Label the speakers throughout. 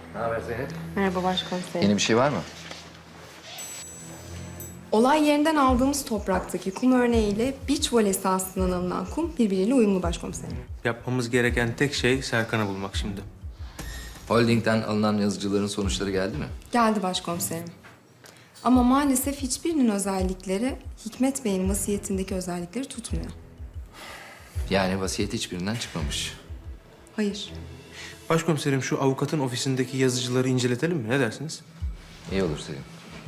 Speaker 1: Ne haber Zeynep?
Speaker 2: Merhaba başkomiserim.
Speaker 1: Yeni bir şey var mı?
Speaker 2: Olay yerinden aldığımız topraktaki kum örneğiyle beach voley sahasından alınan kum birbiriyle uyumlu başkomiserim.
Speaker 3: Yapmamız gereken tek şey Serkan'ı bulmak şimdi.
Speaker 1: Holding'den alınan yazıcıların sonuçları geldi mi?
Speaker 2: Geldi başkomiserim. Ama maalesef hiçbirinin özellikleri Hikmet Bey'in vasiyetindeki özellikleri tutmuyor.
Speaker 1: Yani vasiyet hiçbirinden çıkmamış.
Speaker 2: Hayır.
Speaker 3: Başkomiserim şu avukatın ofisindeki yazıcıları inceletelim mi? Ne dersiniz?
Speaker 1: İyi olur Selim.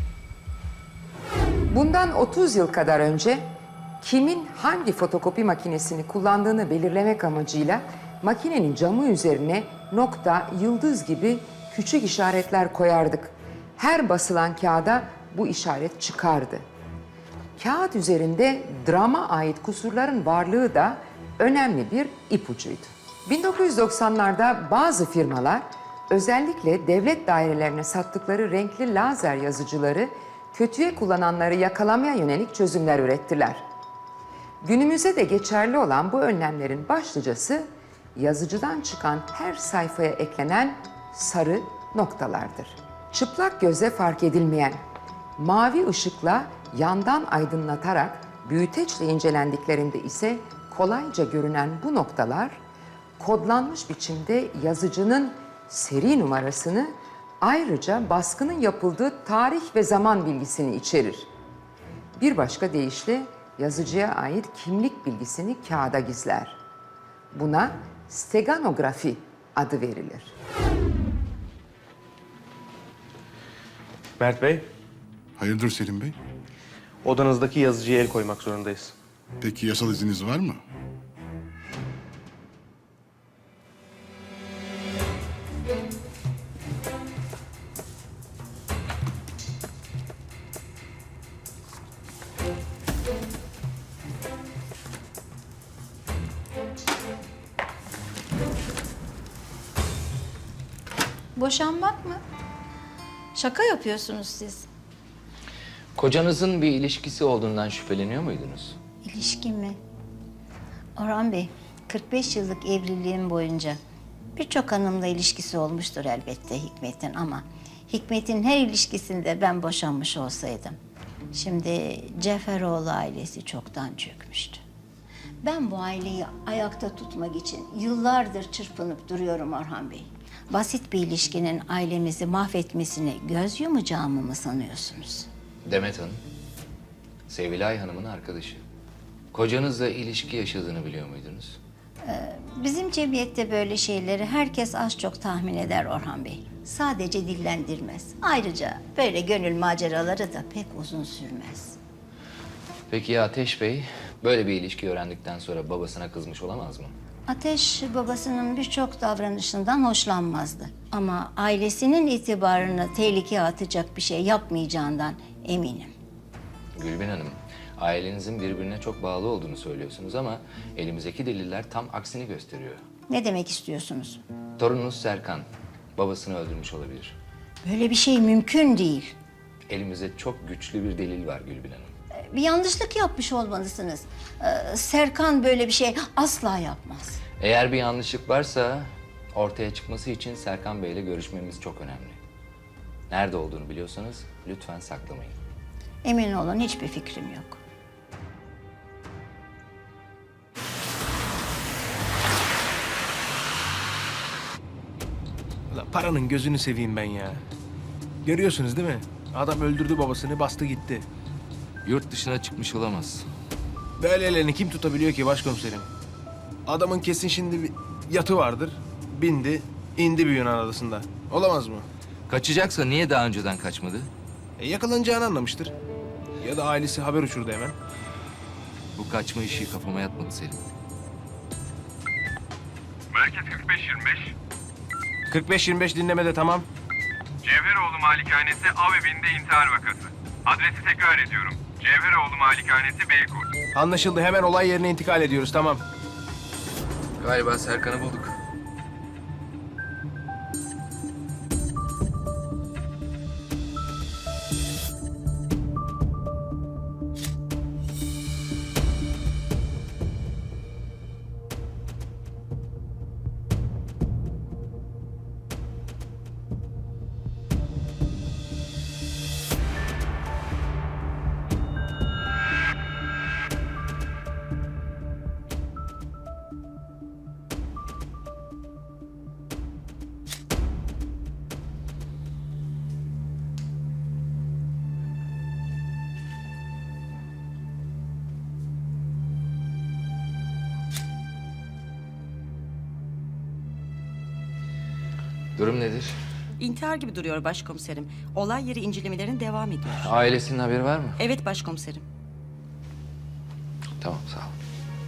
Speaker 4: Bundan 30 yıl kadar önce kimin hangi fotokopi makinesini kullandığını belirlemek amacıyla makinenin camı üzerine nokta, yıldız gibi küçük işaretler koyardık. Her basılan kağıda bu işaret çıkardı. Kağıt üzerinde drama ait kusurların varlığı da önemli bir ipucuydu. 1990'larda bazı firmalar özellikle devlet dairelerine sattıkları renkli lazer yazıcıları kötüye kullananları yakalamaya yönelik çözümler ürettiler. Günümüze de geçerli olan bu önlemlerin başlıcası yazıcıdan çıkan her sayfaya eklenen sarı noktalardır. Çıplak göze fark edilmeyen, mavi ışıkla yandan aydınlatarak büyüteçle incelendiklerinde ise kolayca görünen bu noktalar kodlanmış biçimde yazıcının seri numarasını ayrıca baskının yapıldığı tarih ve zaman bilgisini içerir. Bir başka deyişle yazıcıya ait kimlik bilgisini kağıda gizler. Buna steganografi adı verilir.
Speaker 3: Mert Bey,
Speaker 5: Hayırdır Selim Bey?
Speaker 3: odanızdaki yazıcıya el koymak zorundayız.
Speaker 5: Peki yasal izniniz var mı?
Speaker 6: Boşanmak mı? Şaka yapıyorsunuz siz.
Speaker 1: Kocanızın bir ilişkisi olduğundan şüpheleniyor muydunuz?
Speaker 6: İlişki mi? Orhan Bey, 45 yıllık evliliğim boyunca birçok hanımla ilişkisi olmuştur elbette Hikmet'in ama Hikmet'in her ilişkisinde ben boşanmış olsaydım şimdi Ceferoğlu ailesi çoktan çökmüştü. Ben bu aileyi ayakta tutmak için yıllardır çırpınıp duruyorum Orhan Bey. Basit bir ilişkinin ailemizi mahvetmesine göz yumacağımı mı sanıyorsunuz?
Speaker 1: Demet Hanım, Sevilay Hanım'ın arkadaşı. Kocanızla ilişki yaşadığını biliyor muydunuz?
Speaker 6: Bizim cemiyette böyle şeyleri herkes az çok tahmin eder Orhan Bey. Sadece dillendirmez. Ayrıca böyle gönül maceraları da pek uzun sürmez.
Speaker 1: Peki ya Ateş Bey, böyle bir ilişki öğrendikten sonra babasına kızmış olamaz mı?
Speaker 6: Ateş babasının birçok davranışından hoşlanmazdı. Ama ailesinin itibarını tehlikeye atacak bir şey yapmayacağından eminim.
Speaker 1: Gülbin Hanım, ailenizin birbirine çok bağlı olduğunu söylüyorsunuz ama elimizdeki deliller tam aksini gösteriyor.
Speaker 6: Ne demek istiyorsunuz?
Speaker 1: Torununuz Serkan, babasını öldürmüş olabilir.
Speaker 6: Böyle bir şey mümkün değil.
Speaker 1: Elimizde çok güçlü bir delil var Gülbin Hanım.
Speaker 6: Bir yanlışlık yapmış olmalısınız. Serkan böyle bir şey asla yapmaz.
Speaker 1: Eğer bir yanlışlık varsa ortaya çıkması için Serkan Bey'le görüşmemiz çok önemli. Nerede olduğunu biliyorsanız lütfen saklamayın.
Speaker 6: Emin olun hiçbir fikrim yok.
Speaker 3: Ulan paranın gözünü seveyim ben ya. Görüyorsunuz değil mi? Adam öldürdü babasını, bastı gitti.
Speaker 1: Yurt dışına çıkmış olamaz.
Speaker 3: Böyle ellerini kim tutabiliyor ki başkomiserim? Adamın kesin şimdi bir yatı vardır. Bindi, indi bir Yunan adasında. Olamaz mı?
Speaker 1: Kaçacaksa niye daha önceden kaçmadı?
Speaker 3: Yakalanacağını anlamıştır. Ya da ailesi haber uçurdu hemen.
Speaker 1: Bu kaçma işi kafama yatmadı Selim.
Speaker 7: Merkez 4525.
Speaker 3: 45-25 dinlemede tamam.
Speaker 7: Cevheroğlu Malikanesi av evinde intihar vakası. Adresi tekrar ediyorum. Cevheroğlu Malikanesi Beykoz.
Speaker 3: Anlaşıldı, hemen olay yerine intikal ediyoruz, tamam.
Speaker 1: Galiba Serkan'ı bulduk. Durum nedir?
Speaker 8: İntihar gibi duruyor başkomiserim. Olay yeri incelemelerin devam ediyor.
Speaker 1: Ailesinin haberi var mı?
Speaker 8: Evet başkomiserim.
Speaker 1: Tamam, sağ ol.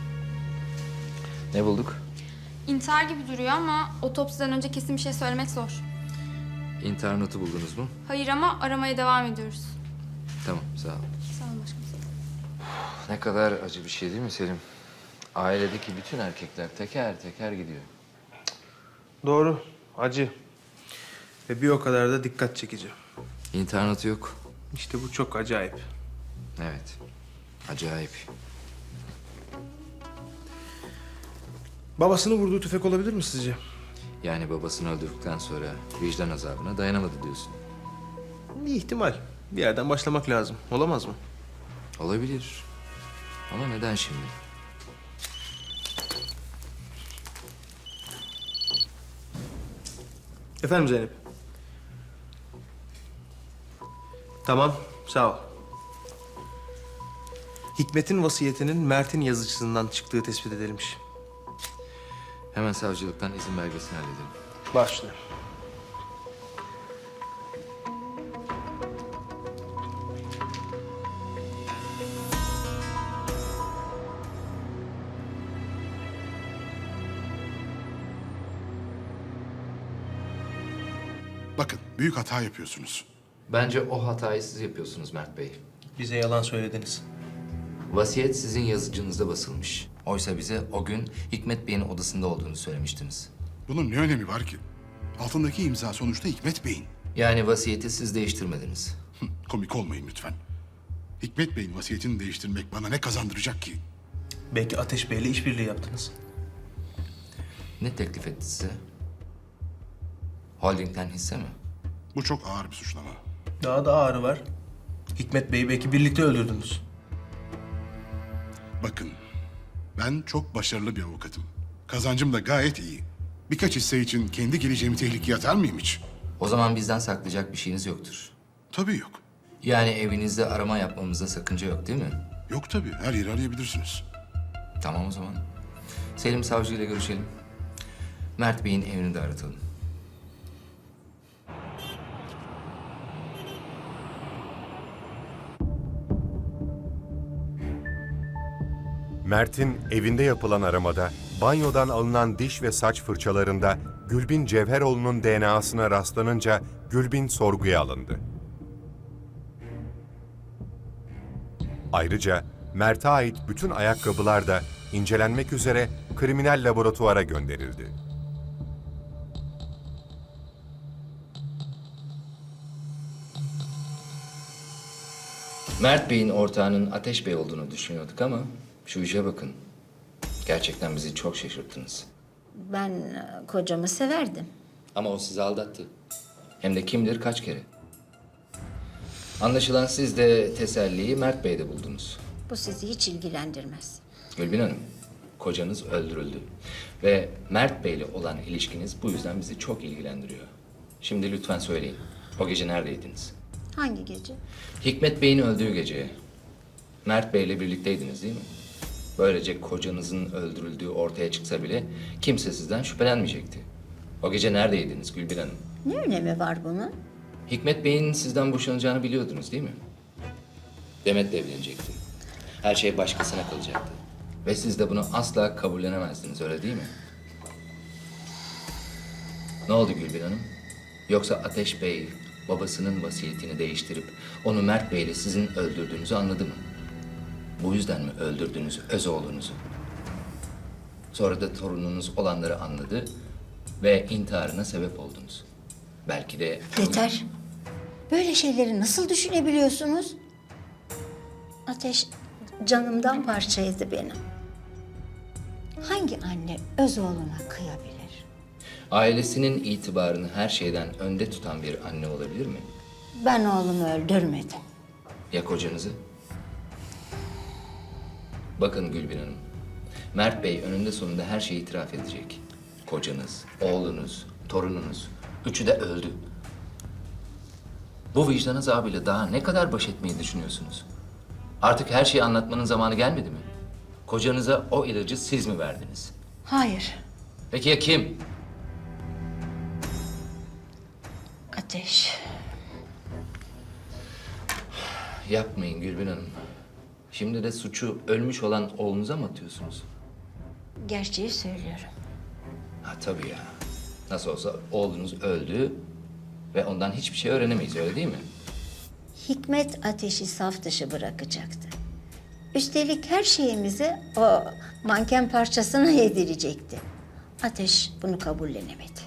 Speaker 1: Ne bulduk?
Speaker 9: İntihar gibi duruyor ama otopsiden önce kesin bir şey söylemek zor.
Speaker 1: İntihar notu buldunuz mu?
Speaker 9: Hayır ama aramaya devam ediyoruz.
Speaker 1: Tamam, sağ ol.
Speaker 9: Sağ olun başkomiserim.
Speaker 1: Ne kadar acı bir şey değil mi Selim? Ailedeki bütün erkekler teker teker gidiyor.
Speaker 3: Doğru. Acı. Ve bir o kadar da dikkat çekici.
Speaker 1: İntihar notu yok.
Speaker 3: İşte bu çok acayip.
Speaker 1: Evet, acayip.
Speaker 3: Babasını vurduğu tüfek olabilir mi sizce?
Speaker 1: Yani babasını öldürdükten sonra vicdan azabına dayanamadı diyorsun.
Speaker 3: Bir ihtimal. Bir yerden başlamak lazım. Olamaz mı?
Speaker 1: Olabilir. Ama neden şimdi?
Speaker 3: Efendim Zeynep? Tamam, sağ ol. Hikmet'in vasiyetinin Mert'in yazıcısından çıktığı tespit edilmiş.
Speaker 1: Hemen savcılıktan izin belgesini halledelim.
Speaker 3: Başla.
Speaker 5: Bakın, büyük hata yapıyorsunuz.
Speaker 1: Bence o hatayı siz yapıyorsunuz Mert Bey.
Speaker 3: Bize yalan söylediniz.
Speaker 1: Vasiyet sizin yazıcınızda basılmış. Oysa bize o gün Hikmet Bey'in odasında olduğunu söylemiştiniz.
Speaker 5: Bunun ne önemi var ki? Altındaki imza sonuçta Hikmet Bey'in.
Speaker 1: Yani vasiyeti siz değiştirmediniz.
Speaker 5: Komik olmayın lütfen. Hikmet Bey'in vasiyetini değiştirmek bana ne kazandıracak ki?
Speaker 3: Belki Ateş Bey'le işbirliği yaptınız.
Speaker 1: Ne teklif etti size? Holding'den hisse mi?
Speaker 5: Bu çok ağır bir suçlama.
Speaker 3: Daha da ağrı var. Hikmet Bey'i belki birlikte öldürdünüz.
Speaker 5: Bakın, ben çok başarılı bir avukatım. Kazancım da gayet iyi. Birkaç hisse için kendi geleceğimi tehlikeye atar mıyım hiç?
Speaker 1: O zaman bizden saklayacak bir şeyiniz yoktur.
Speaker 5: Tabii yok.
Speaker 1: Yani evinizde arama yapmamızda sakınca yok değil mi?
Speaker 5: Yok tabii, her yeri arayabilirsiniz.
Speaker 1: Tamam o zaman. Selim Savcı ile görüşelim. Mert Bey'in evini de aratalım.
Speaker 10: Mert'in evinde yapılan aramada banyodan alınan diş ve saç fırçalarında Gülbin Cevheroğlu'nun DNA'sına rastlanınca Gülbin sorguya alındı. Ayrıca Mert'e ait bütün ayakkabılar da incelenmek üzere kriminal laboratuvara gönderildi.
Speaker 1: Mert Bey'in ortağının Ateş Bey olduğunu düşünüyorduk ama şu işe bakın. Gerçekten bizi çok şaşırttınız.
Speaker 6: Ben kocamı severdim.
Speaker 1: Ama o sizi aldattı. Hem de kim bilir kaç kere. Anlaşılan siz de teselliyi Mert Bey'de buldunuz.
Speaker 6: Bu sizi hiç ilgilendirmez.
Speaker 1: Gülbin Hanım, kocanız öldürüldü. Ve Mert Bey'le olan ilişkiniz bu yüzden bizi çok ilgilendiriyor. Şimdi lütfen söyleyin, o gece neredeydiniz?
Speaker 6: Hangi gece?
Speaker 1: Hikmet Bey'in öldüğü gece. Mert Bey'le birlikteydiniz değil mi? Böylece kocanızın öldürüldüğü ortaya çıksa bile kimse sizden şüphelenmeyecekti. O gece neredeydiniz Gülbin Hanım?
Speaker 6: Ne önemi var bunun?
Speaker 1: Hikmet Bey'in sizden boşanacağını biliyordunuz değil mi? Demet'le evlenecekti. Her şey başkasına kalacaktı. Ve siz de bunu asla kabullenemezdiniz, öyle değil mi? Ne oldu Gülbin Hanım? Yoksa Ateş Bey babasının vasiyetini değiştirip onu Mert Bey'le sizin öldürdüğünüzü anladı mı? Bu yüzden mi öldürdünüz öz oğlunuzu? Sonra da torununuz olanları anladı ve intiharına sebep oldunuz. Belki de...
Speaker 6: Yeter. Böyle şeyleri nasıl düşünebiliyorsunuz? Ateş canımdan parçaydı benim. Hangi anne öz oğluna kıyabilir?
Speaker 1: Ailesinin itibarını her şeyden önde tutan bir anne olabilir mi?
Speaker 6: Ben oğlumu öldürmedim.
Speaker 1: Ya kocanızı? Bakın Gülbin Hanım, Mert Bey önünde sonunda her şeyi itiraf edecek. Kocanız, oğlunuz, torununuz, üçü de öldü. Bu vicdan azabıyla daha ne kadar baş etmeyi düşünüyorsunuz? Artık her şeyi anlatmanın zamanı gelmedi mi? Kocanıza o ilacı siz mi verdiniz?
Speaker 6: Hayır.
Speaker 1: Peki ya kim?
Speaker 6: Ateş.
Speaker 1: Yapmayın Gülbin Hanım. Şimdi de suçu ölmüş olan oğlunuza mı atıyorsunuz?
Speaker 6: Gerçeği söylüyorum.
Speaker 1: Ha tabii ya. Nasıl olsa oğlunuz öldü ve ondan hiçbir şey öğrenemeyiz, öyle değil mi?
Speaker 6: Hikmet Ateş'i saf dışı bırakacaktı. Üstelik her şeyimizi o manken parçasına yedirecekti. Ateş bunu kabullenemedi.